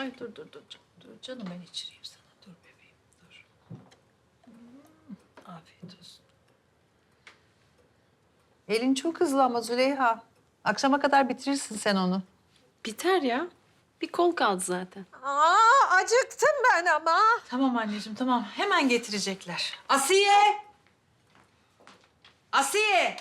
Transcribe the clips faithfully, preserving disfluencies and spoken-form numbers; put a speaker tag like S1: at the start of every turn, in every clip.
S1: Ay dur dur dur. Dur canım ben içireyim sana. Dur bebeğim dur. Hmm, afiyet olsun. Elin çok hızlı ama Züleyha. Akşama kadar bitirirsin sen onu.
S2: Biter ya. Bir kol kaldı zaten.
S3: Aa, acıktım ben ama.
S1: Tamam anneciğim tamam. Hemen getirecekler. Asiye! Asiye!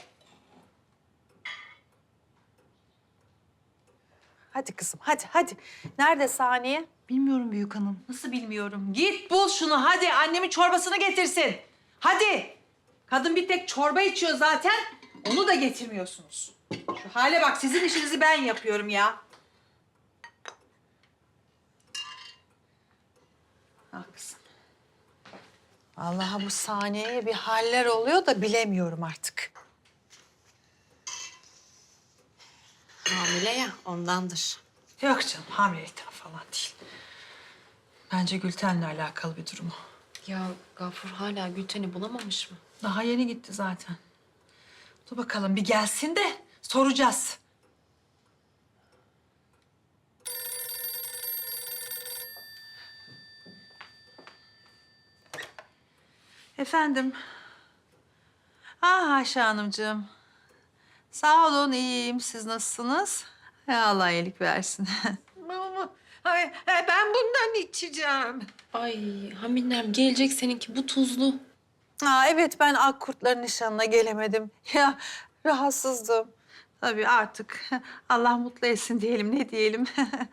S3: Hadi kızım, hadi, hadi. Nerede Saniye?
S1: Bilmiyorum büyük hanım. Nasıl bilmiyorum? Git bul şunu hadi. Annemin çorbasını getirsin. Hadi. Kadın bir tek çorba içiyor zaten. Onu da getirmiyorsunuz. Şu hale bak sizin işinizi ben yapıyorum ya. Ah kızım.
S3: Vallahi bu Saniye'ye bir haller oluyor da bilemiyorum artık.
S2: Hamile ya ondandır.
S1: Yok canım hamilelikten falan değil. Bence Gülten'le alakalı bir durum o.
S2: Ya Gafur hala Gülten'i bulamamış mı?
S1: Daha yeni gitti zaten. Dur bakalım bir gelsin de soracağız. Efendim. Ah Ayşe Hanımcığım. Sağ olun iyiyim. Siz nasılsınız? Ya Allah iyilik versin.
S3: Ama ay, ben bundan içeceğim.
S2: Ay Haminem gelecek seninki bu tuzlu.
S3: Aa, evet ben Akkurtların nişanına gelemedim. Ya rahatsızdım.
S1: Tabii artık Allah mutlu etsin diyelim ne diyelim.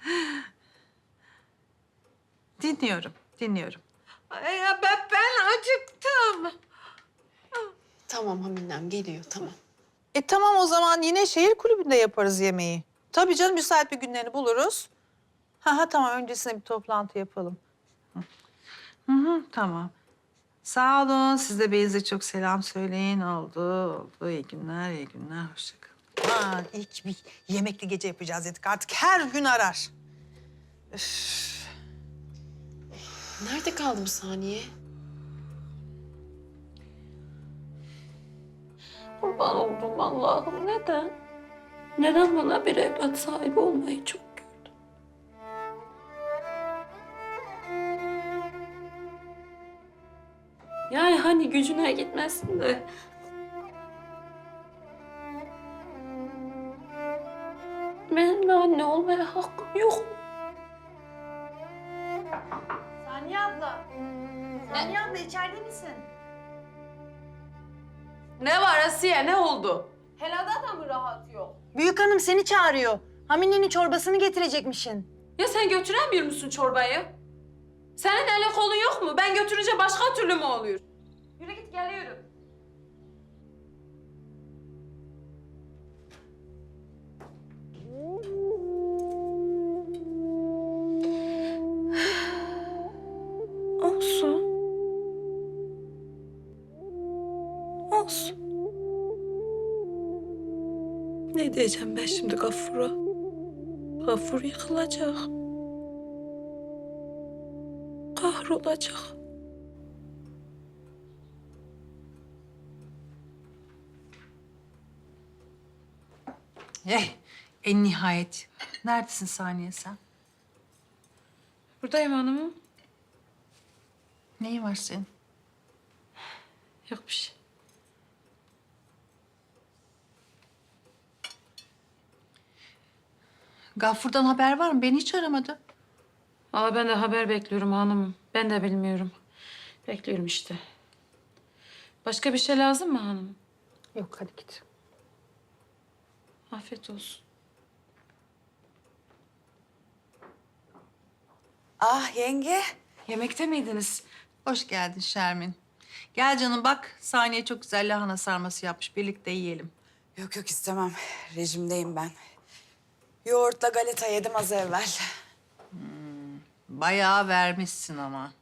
S1: Dinliyorum, dinliyorum.
S3: Ay, ya ben, ben acıktım.
S2: Tamam Haminem geliyor tamam.
S3: E tamam o zaman yine şehir kulübünde yaparız yemeği. Tabii canım müsait bir günlerini buluruz. Ha ha tamam öncesinde bir toplantı yapalım.
S1: Hı hı, tamam. Sağ olun. Siz de Beyaz'a çok selam söyleyin. Oldu, oldu. İyi günler, iyi günler. Hoşça kalın.
S3: Ha ilk bir yemekli gece yapacağız dedik artık her gün arar. Üf.
S2: Nerede kaldı bu saniye? Kurban oldum Allah'ım. Neden? Neden bana bir evlat sahibi olmayı çok gördün? Yani hani gücüne gitmesin de. Benim de anne olmaya hakkım yok mu?
S3: Saniye abla. Saniye abla içeride misin?
S2: Ne var Asiye? Ne oldu?
S4: Helada da mı rahat yok?
S5: Büyük hanım seni çağırıyor. Hamine'nin çorbasını getirecekmişsin.
S2: Ya sen götüremiyor musun çorbayı? Senin elin kolun yok mu? Ben götürünce başka türlü mü oluyor? Yürü git geliyorum.
S5: Olsun. Olsun.
S2: Ne diyeceğim ben şimdi Gafur'a? Gafur yıkılacak. Kahrolacak.
S1: Eh, en nihayet. Neredesin Saniye sen?
S2: Buradayım hanımım.
S1: Neyin var senin?
S2: Yok bir şey.
S1: Gafur'dan haber var mı? Beni hiç aramadı.
S2: Valla ben de haber bekliyorum hanımım. Ben de bilmiyorum. Bekliyorum işte. Başka bir şey lazım mı hanım?
S3: Yok hadi git.
S2: Afiyet olsun.
S3: Ah yenge.
S2: Yemekte miydiniz?
S1: Hoş geldin Şermin. Gel canım bak Saniye çok güzel lahana sarması yapmış. Birlikte yiyelim.
S6: Yok yok istemem. Rejimdeyim ben. Yoğurtla galeta yedim az evvel.
S1: Bayağı vermişsin ama.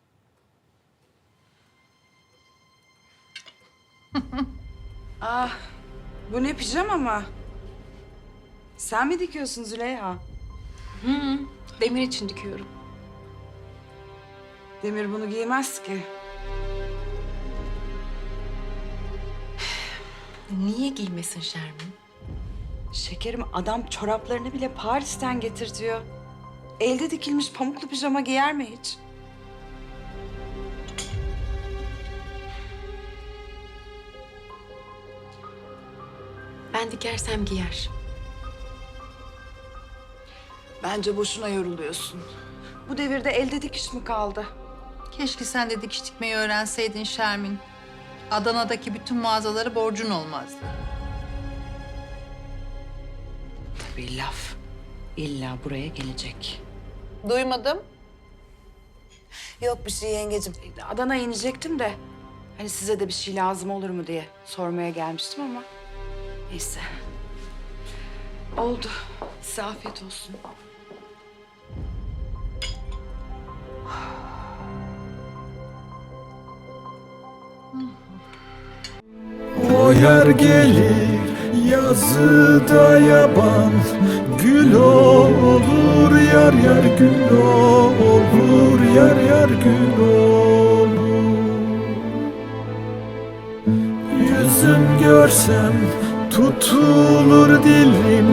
S6: Ah, bu ne pijama mı? Sen mi dikiyorsun Züleyha?
S2: Hı, Demir için dikiyorum.
S6: Demir bunu giymez ki.
S2: Niye giymesin Şermin?
S6: Şekerim adam çoraplarını bile Paris'ten getirtiyor. elde dikilmiş pamuklu pijama giyer mi hiç?
S2: Ben dikersem giyer.
S6: Bence boşuna yoruluyorsun. Bu devirde elde dikiş mi kaldı?
S3: Keşke sen de dikiş dikmeyi öğrenseydin Şermin. Adana'daki bütün mağazaları borcun olmazdı.
S6: Tabii laf. İlla buraya gelecek.
S3: Duymadım.
S6: Yok bir şey yengecim. Adana'ya inecektim de hani size de bir şey lazım olur mu diye sormaya gelmiştim ama neyse. Oldu. Size afiyet olsun.
S7: O yer gelir yazıda yaban, gül olur yar yar gül olur yar yar gül olur. Yüzüm görsem tutulur dilim,